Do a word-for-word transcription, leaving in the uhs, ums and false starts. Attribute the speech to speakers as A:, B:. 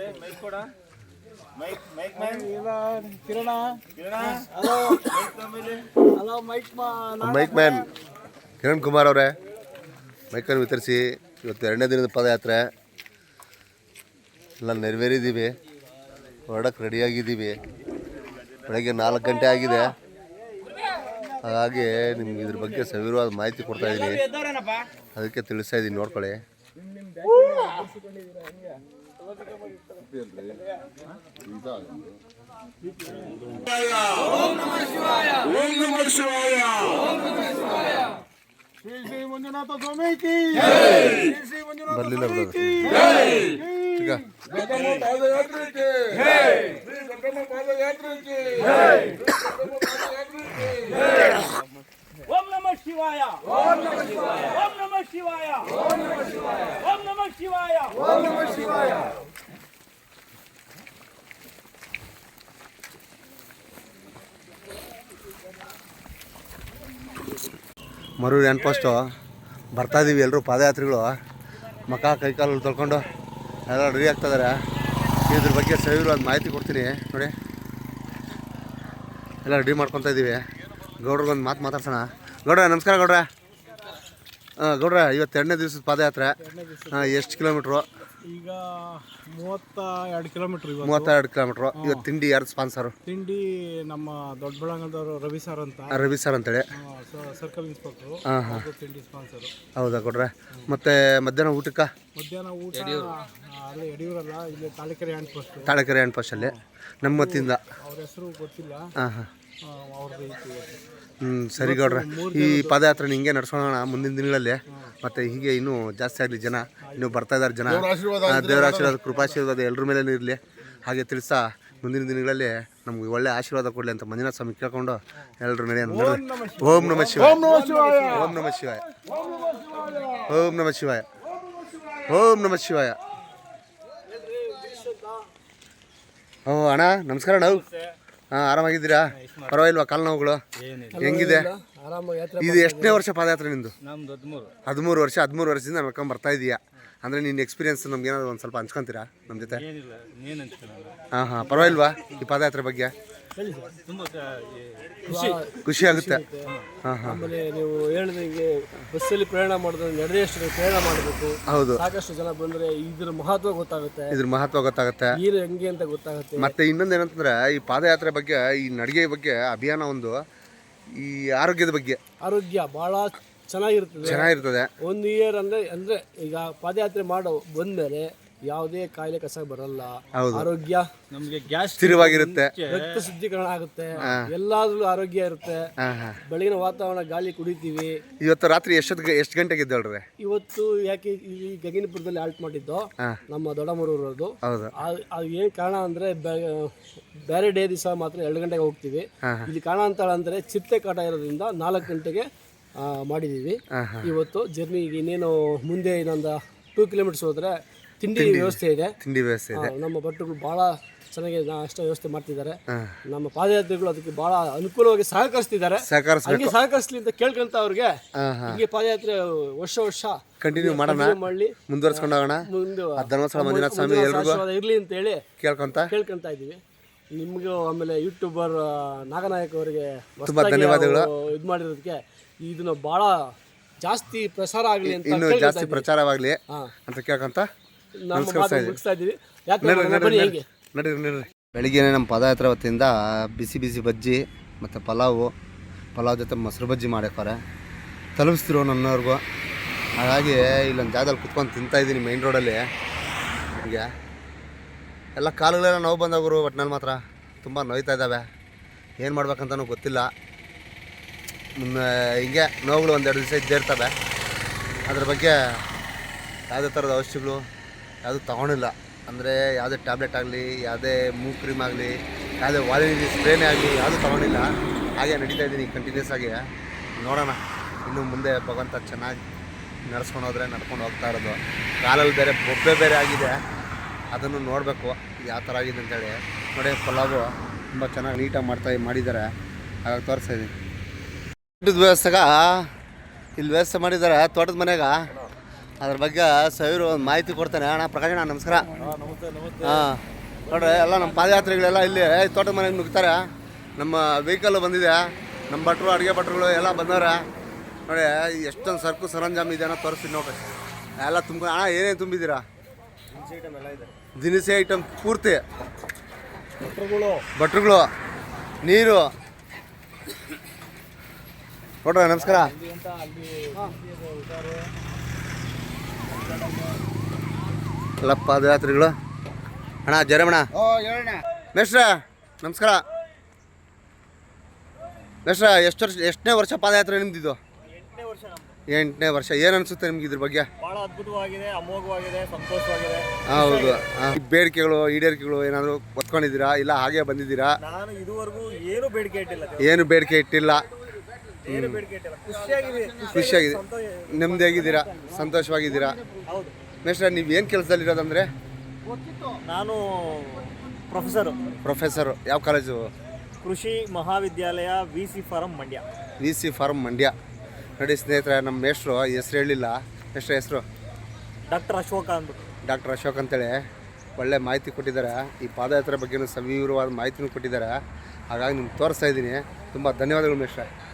A: Mic man Kiran Kumar ಅವರೇ, ಮೈಕನ್ನು ವಿತರಿಸಿ ಇವತ್ತು ಎರಡನೇ ದಿನದ ಪಾದಯಾತ್ರೆ ಎಲ್ಲ ನೆರವೇರಿದ್ದೀವಿ. ಹೊರಡಕ್ಕೆ ರೆಡಿಯಾಗಿದ್ದೀವಿ. ಬೆಳಗ್ಗೆ ನಾಲ್ಕು ಗಂಟೆ ಆಗಿದೆ. ಹಾಗಾಗಿ ನಿಮ್ಗೆ ಇದ್ರ ಬಗ್ಗೆ ಸವಿರವಾದ ಮಾಹಿತಿ ಕೊಡ್ತಾ ಇದ್ದೀನಿ, ಅದಕ್ಕೆ ತಿಳಿಸ್ತಾ ಇದ್ದೀನಿ, ನೋಡ್ಕೊಳ್ಳಿ. ಬರ್ಲಿಲ್ಲ
B: ಓಂ ನಮಃ ಶಿವಾಯ, ಓಂ ನಮಃ ಶಿವಾಯ, ಓಂ ನಮಃ ಶಿವಾಯ, ಓಂ ನಮಃ ಶಿವಾಯ, ಓಂ ನಮಃ ಶಿವಾಯ, ಓಂ ನಮಃ ಶಿವಾಯ.
A: ಮರೂರು ಹ್ಯಾಂಡ್ ಪೋಸ್ಟು ಬರ್ತಾ ಇದ್ದೀವಿ. ಎಲ್ಲರೂ ಪಾದಯಾತ್ರಿಗಳು ಮಕ ಕೈಕಾಲು ತೊಳ್ಕೊಂಡು ಎಲ್ಲ ರೆಡಿ ಆಗ್ತಾಯಿದ್ದಾರೆ. ಇದ್ರ ಬಗ್ಗೆ ಸವಿರವಾದ ಮಾಹಿತಿ ಕೊಡ್ತೀನಿ ನೋಡಿ. ಎಲ್ಲ ರೆಡಿ ಮಾಡ್ಕೊತಾ ಇದ್ದೀವಿ. ಗೌಡ್ರಿಗೊಂದು ಮಾತು ಮಾತಾಡ್ಸೋಣ. ಗೌಡ್ರ ನಮಸ್ಕಾರ. ಗೌಡ್ರ ಹಾಂ ಗೌಡ್ರ, ಇವತ್ತು ಎರಡನೇ ದಿವಸದ ಪಾದಯಾತ್ರೆ. ಹಾಂ, ಎಷ್ಟು ಕಿಲೋಮೀಟ್ರು?
C: ಈಗ ಮೂವತ್ತ ಎರಡು ಕಿಲೋಮೀಟ್ರ್.
A: ಮೂವತ್ತೆರಡು ಕಿಲೋಮೀಟ್ರು. ಇವತ್ತು ತಿಂಡಿ ಯಾರು ಸ್ಪಾನ್ಸರು?
C: ತಿಂಡಿ ನಮ್ಮ ದೊಡ್ಡಬಳ್ಳಾಂಗದವರು ರವಿ ಸರ್ ಅಂತ.
A: ರವಿ ಸರ್ ಅಂತೇಳಿ
C: ಸರ್ಕಲ್ ಇನ್ಸ್ಪೆಕ್ಟ್ರು.
A: ಹಾಂ ಹಾಂ,
C: ತಿಂಡಿ ಸ್ಪಾನ್ಸರು.
A: ಹೌದಾ ಗೌಡ್ರೆ? ಮತ್ತು ಮಧ್ಯಾಹ್ನ ಊಟಕ್ಕೆ?
C: ಮಧ್ಯಾಹ್ನ ಊಟ ಅಲ್ಲಿ ಯಡಿಯೂರಲ್ಲ, ಇಲ್ಲಿ Talikere hand post.
A: Talikere hand ಪೋಸ್ಟಲ್ಲಿ ನಮ್ಮ ಮತ್ತಿಂದ.
C: ಅವ್ರ ಹೆಸರು ಗೊತ್ತಿಲ್ಲ.
A: ಹಾಂ ಹಾಂ,
C: ಅವ್ರದ್ದು
A: ಹ್ಞೂ ಸರಿ ಗೌಡ್ರೆ. ಈ ಪಾದಯಾತ್ರೆ ಹಿಂಗೆ ನಡ್ಸೋಣ ಮುಂದಿನ ದಿನಗಳಲ್ಲಿ. ಮತ್ತು ಹೀಗೆ ಇನ್ನೂ ಜಾಸ್ತಿ ಆಗಲಿ ಜನ, ಇನ್ನೂ ಬರ್ತಾ ಇದ್ದಾರೆ ಜನ. ದೇವರ ಆಶೀರ್ವಾದ, ಕೃಪಾಶೀರ್ವಾದ ಎಲ್ಲರ ಮೇಲೆ ಇರಲಿ. ಹಾಗೆ ತಿಳಿಸ್ತಾ ಮುಂದಿನ ದಿನಗಳಲ್ಲಿ ನಮ್ಗೆ ಒಳ್ಳೆ ಆಶೀರ್ವಾದ ಕೊಡಲಿ ಅಂತ ಮಂಜುನಾಥ ಸ್ವಾಮಿ ಕೇಳ್ಕೊಂಡು ಎಲ್ಲರೂ ನಡೆಯೋಣ. ಓಂ ನಮಃ ಶಿವಾಯ, ಓಂ ನಮಃ ಶಿವಾಯ, ಓಂ ನಮಃ ಶಿವಾಯ, ಓಂ ನಮಃ ಶಿವಾಯ, ಓಂ ನಮಃ ಶಿವಾಯ. ಓ ಅಣ್ಣ ನಮಸ್ಕಾರ. ನಾವು ಹಾಂ, ಆರಾಮಾಗಿದ್ದೀರಾ? ಪರವಾಗಿಲ್ವಾ ಕಾಲು ನೋವುಗಳು? ಹೆಂಗಿದೆ? ಇದು ಎಷ್ಟನೇ ವರ್ಷ ಪಾದಯಾತ್ರೆ ನಿಂದು? ಹದಿಮೂರು ವರ್ಷ. ಹದಿಮೂರು ವರ್ಷದಿಂದ ನಡ್ಕೊಂಡು ಬರ್ತಾ ಇದೀಯಾ ಅಂದರೆ ನಿನ್ನ ಎಕ್ಸ್ಪೀರಿಯನ್ಸ್ ನಮ್ಗೆ ಏನಾದ್ರು ಒಂದು ಸ್ವಲ್ಪ ಹಂಚ್ಕೊಂತೀರಾ ನಮ್ಮ ಜೊತೆ? ಹಾಂ ಹಾಂ, ಪರವಾಗಿಲ್ವಾ ಈ ಪಾದಯಾತ್ರೆ ಬಗ್ಗೆ? ಖುಷಿ ಆಗುತ್ತೆ. ಹಾಂ ಹಾಂ,
D: ಆಮೇಲೆ ನೀವು ಹೇಳಿದಂಗೆ ಬಸ್ಸಲ್ಲಿ ಪ್ರಯಾಣ ಮಾಡಿದ್ರೆ ನಡೆದಷ್ಟು ಪ್ರಯಾಣ ಮಾಡಬೇಕು. ಹೌದು, ಸಾಕಷ್ಟು ಜನ ಬಂದರೆ ಇದ್ರ ಮಹತ್ವ ಗೊತ್ತಾಗುತ್ತೆ.
A: ಇದ್ರ ಮಹತ್ವ ಗೊತ್ತಾಗುತ್ತೆ,
D: ನೀರು ಹೆಂಗೆ ಅಂತ ಗೊತ್ತಾಗುತ್ತೆ.
A: ಮತ್ತೆ ಇನ್ನೊಂದು ಏನಂತಂದ್ರೆ ಈ ಪಾದಯಾತ್ರೆ ಬಗ್ಗೆ, ಈ ನಡಿಗೆ ಬಗ್ಗೆ ಅಭಿಯಾನ ಒಂದು, ಈ ಆರೋಗ್ಯದ ಬಗ್ಗೆ
D: ಆರೋಗ್ಯ ಭಾಳ ಚೆನ್ನಾಗಿರ್ತದೆ
A: ಚೆನ್ನಾಗಿರ್ತದೆ.
D: ಒಂದು ಇಯರ್ ಅಂದರೆ ಅಂದರೆ ಈಗ ಪಾದಯಾತ್ರೆ ಮಾಡೋ ಬಂದಮೇಲೆ ಯಾವುದೇ ಕಾಯಿಲೆ ಕಸ ಬರಲ್ಲ. ಆರೋಗ್ಯ
C: ನಮಗೆ ಗ್ಯಾಸ್
A: ಸ್ಥಿರವಾಗಿರುತ್ತೆ,
D: ರಕ್ತ ಶುದ್ಧೀಕರಣ ಆಗುತ್ತೆ, ಎಲ್ಲಾದ್ರೂ ಆರೋಗ್ಯ ಇರುತ್ತೆ. ಬೆಳಗಿನ ವಾತಾವರಣ ಗಾಳಿ ಕುಡಿತೀವಿ.
A: ಇವತ್ತು ರಾತ್ರಿ ಎಷ್ಟೊತ್ತಿಗೆ ಎಷ್ಟು ಗಂಟೆಗೆ ಇದ್ದಳ್ರಿ?
D: ಇವತ್ತು ಯಾಕೆ ಈ ಗಗನಪುರದಲ್ಲಿ ಆಲ್ಟ್ ಮಾಡಿದ್ದು ನಮ್ಮ ದೊಡ್ಡಮರೂರದು. ಅದು ಏನು ಕಾರಣ ಅಂದರೆ ಬೇರೆ ಡೇ ದಿವಸ ಮಾತ್ರ ಎರಡು ಗಂಟೆಗೆ ಹೋಗ್ತೀವಿ. ಇಲ್ಲಿ ಕಾರಣ ಅಂತ ಅಂದರೆ ಚಿರತೆ ಕಾಟ ಇರೋದ್ರಿಂದ ನಾಲ್ಕು ಗಂಟೆಗೆ ಮಾಡಿದ್ದೀವಿ. ಇವತ್ತು ಜರ್ನಿ ಇನ್ನೇನು ಮುಂದೆ ಇನ್ನೊಂದು ಟೂ ಕಿಲೋಮೀಟರ್ಸ್ ಹೋದರೆ ತಿಂಡಿ ವ್ಯವಸ್ಥೆ ಇದೆ.
A: ತಿಂಡಿ ವ್ಯವಸ್ಥೆ ಇದೆ.
D: ನಮ್ಮ ಭಟ್ರುಗಳು ಭಾಳ ಚೆನ್ನಾಗಿ ಅಷ್ಟು ವ್ಯವಸ್ಥೆ ಮಾಡ್ತಿದ್ದಾರೆ. ನಮ್ಮ ಪಾದಯಾತ್ರಿಗಳು ಅದಕ್ಕೆ ಭಾಳ ಅನುಕೂಲವಾಗಿ ಸಹಕರಿಸ್ತಿದ್ದಾರೆ. ಹಂಗೆ ಸಹಕರಿಸಲಿ ಅಂತ ಕೇಳ್ಕೊಂತ ಅವ್ರಿಗೆ ಹೀಗೆ ಪಾದಯಾತ್ರೆ ವರ್ಷ ವರ್ಷ
A: ಕಂಟಿನ್ಯೂ ಮಾಡೋಣ, ಮಾಡಲಿ, ಮುಂದುವರ್ಸ್ಕೊಂಡು ಹೋಗೋಣ. ಮುಂದೆ ಧರ್ಮಸ್ಥಳ ಮಂಜುನಾಥ ಸ್ವಾಮಿ ಎಲ್ರಿಗೂ
D: ಇರಲಿ ಅಂತ ಹೇಳಿ
A: ಕೇಳ್ಕೊಂತ
D: ಕೇಳ್ಕೊಂತ ಇದ್ದೀವಿ. ನಿಮಗೂ ಆಮೇಲೆ ಯೂಟ್ಯೂಬರ್ ನಾಗನಾಯಕ್ ಅವರಿಗೆ
A: ತುಂಬಾ ಧನ್ಯವಾದಗಳು.
D: ಇದು ಮಾಡಿರೋದಕ್ಕೆ ಇದನ್ನ ಭಾಳ ಜಾಸ್ತಿ ಪ್ರಸಾರ ಆಗಲಿ ಅಂತ,
A: ಇನ್ನೂ ಜಾಸ್ತಿ ಪ್ರಚಾರವಾಗಲಿ ಅಂತ ಕೇಳ್ಕೊಂತ
D: ಮುಗಿಸ್ತಾ ಇದ್ದೀವಿ.
A: ನಡೀರಿ ನಡೀರಿ. ಬೆಳಿಗ್ಗೆನೇ ನಮ್ಮ ಪಾದಯಾತ್ರೆ ವತಿಯಿಂದ ಬಿಸಿ ಬಿಸಿ ಬಜ್ಜಿ ಮತ್ತು ಪಲಾವು, ಪಲಾವ್ ಜೊತೆ ಮೊಸರು ಬಜ್ಜಿ ಮಾಡ್ಯಾರೆ ತಲುಪಿಸ್ತಿರೋ ನನ್ನವ್ರಿಗೂ. ಹಾಗಾಗಿ ಇಲ್ಲೊಂದು ಜಾಗದಲ್ಲಿ ಕುತ್ಕೊಂಡು ತಿಂತಾಯಿದ್ದೀನಿ ಮೈನ್ ರೋಡಲ್ಲಿ. ಹೀಗೆ ಎಲ್ಲ ಕಾಲುಗಳೆಲ್ಲ ನೋವು ಬಂದವರು, ಒಟ್ಟಿನಲ್ಲಿ ಮಾತ್ರ ತುಂಬ ನೋಯ್ತಾ ಇದ್ದಾವೆ. ಏನು ಮಾಡ್ಬೇಕಂತನೂ ಗೊತ್ತಿಲ್ಲ. ಹಿಂಗೆ ನೋವುಗಳು ಒಂದೆರಡು ದಿವಸ ಇದ್ದೇ ಇರ್ತವೆ. ಅದ್ರ ಬಗ್ಗೆ ಯಾವುದೇ ಥರದ ಔಷಧಿಗಳು ಯಾವುದೂ ತೊಗೊಂಡಿಲ್ಲ. ಅಂದರೆ ಯಾವುದೇ ಟ್ಯಾಬ್ಲೆಟ್ ಆಗಲಿ, ಯಾವುದೇ ಮೂಗ್ ಕ್ರೀಮ್ ಆಗಲಿ, ಯಾವುದೇ ವಾಲಿನಿ ಸ್ಪ್ರೇನೇ ಆಗಲಿ ಯಾವುದೂ ತೊಗೊಂಡಿಲ್ಲ. ಹಾಗೆ ನಡೀತಾ ಇದ್ದೀನಿ ಕಂಟಿನ್ಯೂಸ್ ಆಗಿ. ನೋಡೋಣ ಇನ್ನು ಮುಂದೆ ಭಗವಂತ ಚೆನ್ನಾಗಿ ನಡೆಸ್ಕೊಂಡು ಹೋದರೆ ನಡ್ಕೊಂಡು ಹೋಗ್ತಾ ಇರೋದು. ಕಾಲಲ್ಲಿ ಬೇರೆ ಬೊಬ್ಬೆ ಬೇರೆ ಆಗಿದೆ, ಅದನ್ನು ನೋಡಬೇಕು ಯಾವ ಥರ ಆಗಿದೆ ಅಂತೇಳಿ. ನೋಡಿ ಪಲಾವು ತುಂಬ ಚೆನ್ನಾಗಿ ನೀಟಾಗಿ ಮಾಡ್ತಾ ಮಾಡಿದ್ದಾರೆ. ಹಾಗಾಗಿ ತೋರಿಸ್ತಾ ಇದ್ದೀನಿ. ಊಟದ ವ್ಯವಸ್ಥೆಗ ಇಲ್ಲಿ ವ್ಯವಸ್ಥೆ ಮಾಡಿದ್ದಾರೆ ತೋಟದ ಮನೆಗ. ಅದ್ರ ಬಗ್ಗೆ ಸಾವಿರ ಒಂದು ಮಾಹಿತಿ ಕೊಡ್ತಾನೆ. ಅಣ್ಣ ಪ್ರಕಾಶ್ ಅಣ್ಣ ನಮಸ್ಕಾರ. ಹಾಂ ನೋಡ್ರಿ ಎಲ್ಲ ನಮ್ಮ ಪಾದಯಾತ್ರಿಗಳೆಲ್ಲ ಇಲ್ಲಿ ತೋಟದ ಮನೆಗೆ ನುಗ್ತಾರೆ. ನಮ್ಮ ವೆಹಿಕಲ್ ಬಂದಿದೆ, ನಮ್ಮ ಭಟ್ರು ಅಡುಗೆ ಭಟ್ರುಗಳು ಎಲ್ಲ ಬಂದವ್ರೆ ನೋಡಿ. ಎಷ್ಟೊಂದು ಸರಕು ಸರಂಜಾಮು ಇದೆ ಅನ್ನೋ ತೋರಿಸ್ತೀನಿ ನೋಡ್ರಿ. ಎಲ್ಲ ತುಂಬ ಅಣ್ಣ ಏನೇನು ತುಂಬಿದ್ದೀರಾ? ದಿನಸಿ ಐಟಮ್ ಪೂರ್ತಿ, ಭಟ್ರುಗಳು, ನೀರು ನೋಡ್ರಿ. ನಮಸ್ಕಾರ. ಎಲ್ಲ ಪಾದಯಾತ್ರಿಗಳು. ಅಣ್ಣ ಜರಮಣ ಮೇಷ್ಟ್ರ ನಮಸ್ಕಾರ. ಮೇಷ್ಟ್ರ ಎಷ್ಟು ವರ್ಷ ಎಷ್ಟನೇ ವರ್ಷ ಪಾದಯಾತ್ರೆ ನಿಮ್ದಿದ್ದು? ಎಂಟನೇ ವರ್ಷ. ಏನು ಅನಿಸುತ್ತೆ ನಿಮ್ಗೆ ಇದ್ರ ಬಗ್ಗೆ?
E: ಬಹಳ ಅದ್ಭುತವಾಗಿದೆ, ಅಮೋಘವಾಗಿದೆ, ಸಂತೋಷವಾಗಿದೆ.
A: ಹೌದು. ಬೇಡಿಕೆಗಳು ಈಡೇರಿಕೆಗಳು ಏನಾದರೂ ಒತ್ಕೊಂಡಿದ್ದೀರಾ ಇಲ್ಲ ಹಾಗೆ ಬಂದಿದ್ದೀರಾ?
E: ನಾನು ಇದುವರೆಗೂ ಏನು ಬೇಡಿಕೆ ಇಟ್ಟಿಲ್ಲ.
A: ಏನು ಬೇಡಿಕೆ ಇಟ್ಟಿಲ್ಲ.
E: ಏನು ಬೇಡಿಕೆ ಇಟ್ಟಿಲ್ಲ. ಖುಷಿಯಾಗಿದೆ,
A: ಖುಷಿಯಾಗಿದೆ, ನೆಮ್ಮದಿಯಾಗಿದ್ದೀರಾ, ಸಂತೋಷವಾಗಿದ್ದೀರಾ?
E: ಹೌದು.
A: ಮೇಷ್ಟ್ರ ನೀವು ಏನು ಕೆಲಸದಲ್ಲಿರೋದಂದರೆ?
E: ನಾನು ಪ್ರೊಫೆಸರು.
A: ಪ್ರೊಫೆಸರು. ಯಾವ ಕಾಲೇಜು?
E: ಕೃಷಿ ಮಹಾವಿದ್ಯಾಲಯ V C farm Mandya.
A: V C farm Mandya. ನೋಡಿ ಸ್ನೇಹಿತರೆ, ನಮ್ಮ ಮೇಷ್ಟ್ರು ಹೆಸ್ರು ಹೇಳಿಲ್ಲ. ಎಷ್ಟು ಹೆಸರು?
E: ಡಾಕ್ಟರ್ ಅಶೋಕ ಅಂದ್ಬಿಟ್ಟು.
A: ಡಾಕ್ಟರ್ ಅಶೋಕ್ ಅಂತೇಳಿ ಒಳ್ಳೆ ಮಾಹಿತಿ ಕೊಟ್ಟಿದ್ದಾರೆ. ಈ ಪಾದಯಾತ್ರೆ ಬಗ್ಗೆನೂ ಸವಿವರವಾದ ಮಾಹಿತಿನೂ ಕೊಟ್ಟಿದ್ದಾರೆ. ಹಾಗಾಗಿ ನಿಮ್ಗೆ ತೋರಿಸ್ತಾ ಇದ್ದೀನಿ. ತುಂಬ ಧನ್ಯವಾದಗಳು ಮೇಷ್ಟ್ರೆ.